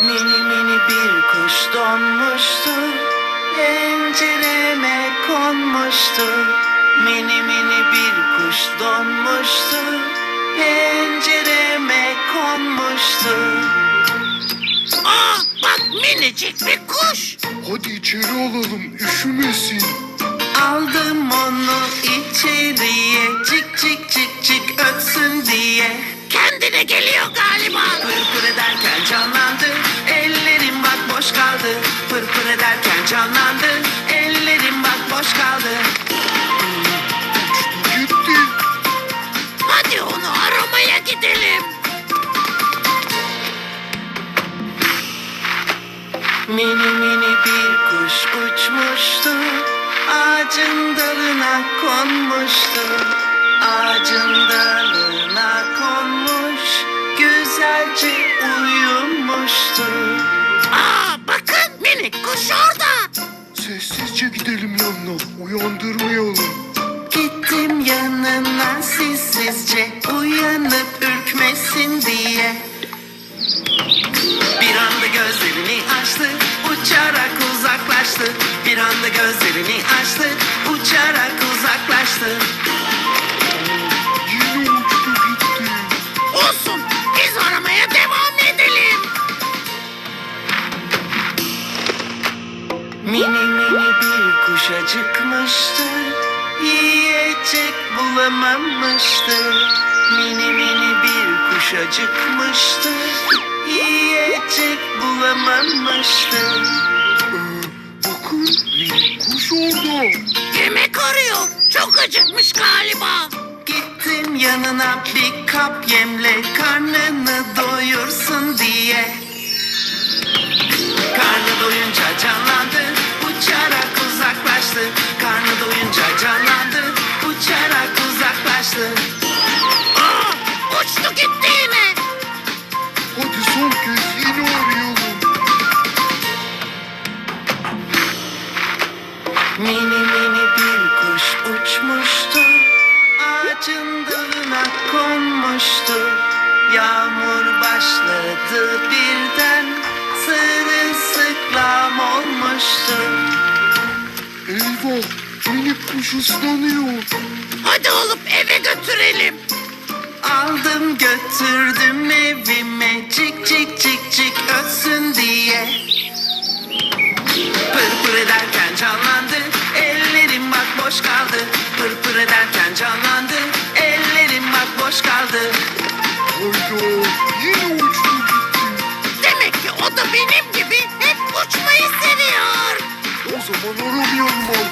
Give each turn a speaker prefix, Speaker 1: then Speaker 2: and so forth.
Speaker 1: Mini mini bir kuş donmuştu, pencereme konmuştu. Mini mini bir kuş donmuştu, pencereme konmuştu.
Speaker 2: Aa, bak minicik bir kuş.
Speaker 3: Hadi içeri alalım, üşümesin.
Speaker 1: Aldım onu içeriye, cik cik cik cik ötsün diye.
Speaker 2: Kendine geliyor galiba.
Speaker 1: Pır pır ederken canlandı, ellerim bak boş kaldı. Pır pır ederken canlandı, ellerim bak boş kaldı.
Speaker 3: Gitti.
Speaker 2: Hadi onu aramaya gidelim.
Speaker 1: Mini mini bir kuş uçmuştu, ağacın dalına konmuştu. Ağacın dalına konmuş, güzelce uyumuştu.
Speaker 2: Aa, bakın minik kuş orada.
Speaker 3: Sessizce gidelim yanına, uyandırmayalım.
Speaker 1: Gittim yanına sessizce, uyanıp ürkmesin diye. Bir anda gözlerini açtı, uçarak uzaklaştı. Bir anda gözlerini açtı, uçarak uzaklaştı.
Speaker 3: Yine uçtu gitti.
Speaker 2: Olsun, biz aramaya devam edelim.
Speaker 1: Mini mini bir kuş acıkmıştı, yiyecek bulamamıştı. Mini mini bir kuş acıkmıştı, yiyecek bulamamıştı.
Speaker 3: Bakın, bir kuş orada.
Speaker 2: Yemek arıyor. Çok acıkmış galiba.
Speaker 1: Gittim yanına bir kap yemle, karnını doyursun diye. Karnı doyunca canlandı, uçarak uzaklaştı. Karnı doyunca canlandı, uçarak uzaklaştı.
Speaker 2: Aa, uçtu gitti yine.
Speaker 3: Hadi son kez yine arayalım.
Speaker 1: Mini mini bir kuş uçmuştu, ağacın dalına konmuştu. Yağmur başladı birden, sırılsıklam olmuştu.
Speaker 3: Eyvah, minik kuş ıslanıyor.
Speaker 2: Hadi olup eve götürelim.
Speaker 1: Aldım götürdüm evime, cik cik cik cik ötsün diye. Pır pır ederken canlandı, ellerim bak boş kaldı. Pır pır ederken canlandı, ellerim bak boş kaldı.
Speaker 3: Hayda, yine uçtu gitti.
Speaker 2: Demek ki o da benim gibi hep uçmayı seviyor.
Speaker 3: O zaman aramayalım